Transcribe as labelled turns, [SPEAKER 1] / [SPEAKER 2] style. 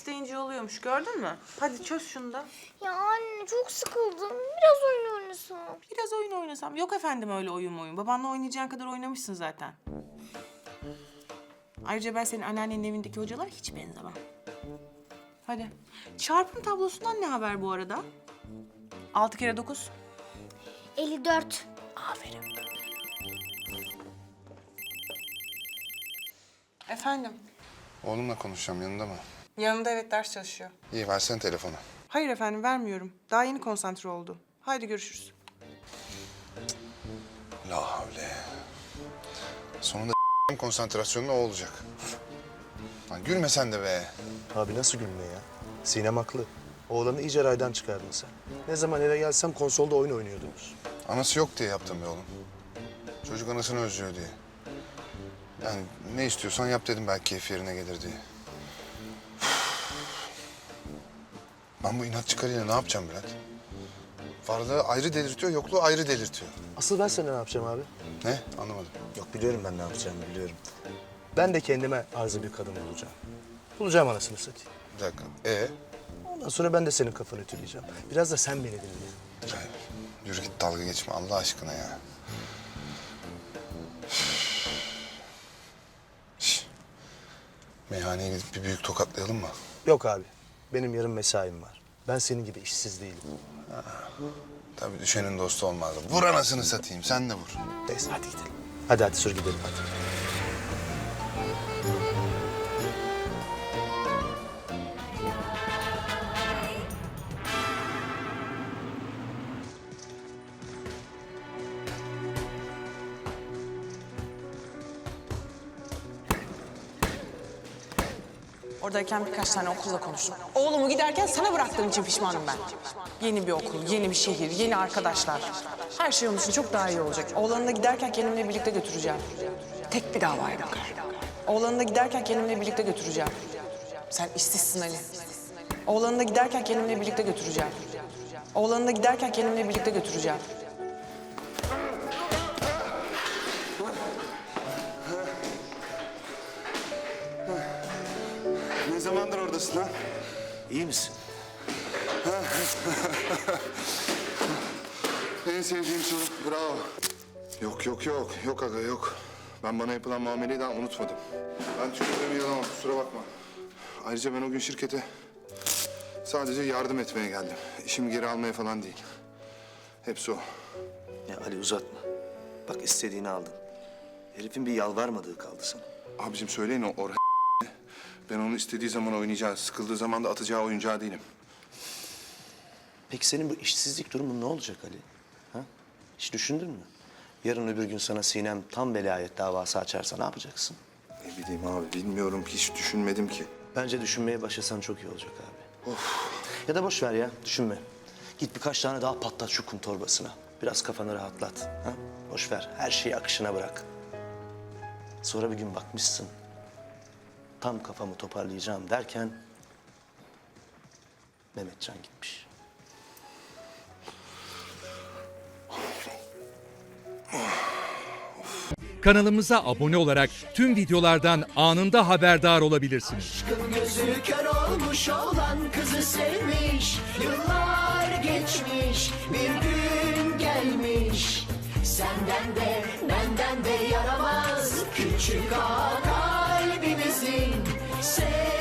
[SPEAKER 1] isteyince oluyormuş, gördün mü? Hadi çöz şunu da.
[SPEAKER 2] Ya anne çok sıkıldım. Biraz oyun oynasam.
[SPEAKER 1] Biraz oyun oynasam. Yok efendim öyle oyun. Babanla oynayacağın kadar oynamışsın zaten. Ayrıca ben senin anneannenin evindeki hocalara hiç benzemem. Hadi. Çarpım tablosundan ne haber bu arada? 6 kere 9.
[SPEAKER 2] 54.
[SPEAKER 1] Aferin. Efendim?
[SPEAKER 3] Oğlumla konuşacağım, yanında mı?
[SPEAKER 1] Yanında, evet, ders çalışıyor.
[SPEAKER 3] İyi, versene telefonu.
[SPEAKER 1] Hayır efendim, vermiyorum. Daha yeni konsantre oldu. Haydi görüşürüz.
[SPEAKER 3] La havle. Sonunda konsantrasyonun o olacak. Lan gülme sen de be.
[SPEAKER 4] Abi nasıl gülme ya? Sinem haklı. Oğlanı iyice raydan çıkardın sen. Ne zaman eve gelsem konsolda oyun oynuyordunuz.
[SPEAKER 3] Anası yok diye yaptım be oğlum. Çocuk anasını özlüyor diye. Yani ne istiyorsan yap dedim, belki keyfi yerine gelir diye. Ben bu inatçı karıyla ne yapacağım Bülent? Varlığı ayrı delirtiyor, yokluğu ayrı delirtiyor.
[SPEAKER 4] Asıl ben sana ne yapacağım abi?
[SPEAKER 3] Ne? Anlamadım.
[SPEAKER 4] Yok biliyorum ben ne yapacağımı biliyorum. Ben de kendime arzı bir kadın bulacağım. Bulacağım anasını satayım.
[SPEAKER 3] Bir dakika.
[SPEAKER 4] Ondan sonra ben de senin kafanı ütüleyeceğim. Biraz da sen beni dinle.
[SPEAKER 3] Hayır. Yürü git, dalga geçme Allah aşkına ya. Şş. Meyhaneye gidip bir büyük tokatlayalım mı?
[SPEAKER 4] Yok abi. Benim yarın mesaim var. Ben senin gibi işsiz değilim.
[SPEAKER 3] Tabii düşenin dostu olmaz. Vur anasını satayım, sen de vur.
[SPEAKER 4] Neyse hadi gidelim. Hadi sür gidelim hadi.
[SPEAKER 1] Oradayken birkaç tane okulla konuştum. Oğlumu giderken sana bıraktığım için pişmanım ben. Yeni bir okul, yeni bir şehir, yeni arkadaşlar. Her şey onun için çok daha iyi olacak. Oğlanı da giderken kendimle birlikte götüreceğim. Tek bir davaya bakar. Oğlanı da giderken kendimle birlikte götüreceğim. Sen işsizsin Ali. Oğlanı da giderken kendimle birlikte götüreceğim. Oğlanı da giderken kendimle birlikte götüreceğim.
[SPEAKER 3] Ne zamandır oradasın lan?
[SPEAKER 4] İyi misin?
[SPEAKER 3] En sevdiğim soru, bravo. Yok aga yok. Ben bana yapılan muameleyi daha unutmadım. Ben tükürdüğümü yalamam, kusura bakma. Ayrıca ben o gün şirkete sadece yardım etmeye geldim. İşimi geri almaya falan değil. Hepsi o.
[SPEAKER 4] Ya Ali uzatma. Bak istediğini aldın. Herifin bir yalvarmadığı kaldı sana.
[SPEAKER 3] Abicim söyleyin o Orhan. Ben onu istediği zaman oynayacağı, sıkıldığı zaman da atacağı oyuncağı değilim.
[SPEAKER 4] Peki senin bu işsizlik durumun ne olacak Ali? Ha? Hiç düşündün mü? Yarın öbür gün sana Sinem tam velayet davası açarsa ne yapacaksın?
[SPEAKER 3] Ne bileyim abi, bilmiyorum ki, hiç düşünmedim ki.
[SPEAKER 4] Bence düşünmeye başlasan çok iyi olacak abi. Ya da boş ver ya, düşünme. Git birkaç tane daha patlat şu kum torbasına. Biraz kafanı rahatlat. Ha? Boş ver, her şeyi akışına bırak. Sonra bir gün bakmışsın. Tam kafamı toparlayacağım derken Mehmetcan gitmiş.
[SPEAKER 5] Kanalımıza abone olarak tüm videolardan anında haberdar olabilirsiniz.
[SPEAKER 6] Aşkın gözü kör olmuş olan kızı sevmiş. Yıllar geçmiş, bir gün gelmiş. Senden de benden de yaramaz küçük ağa kalbimizin.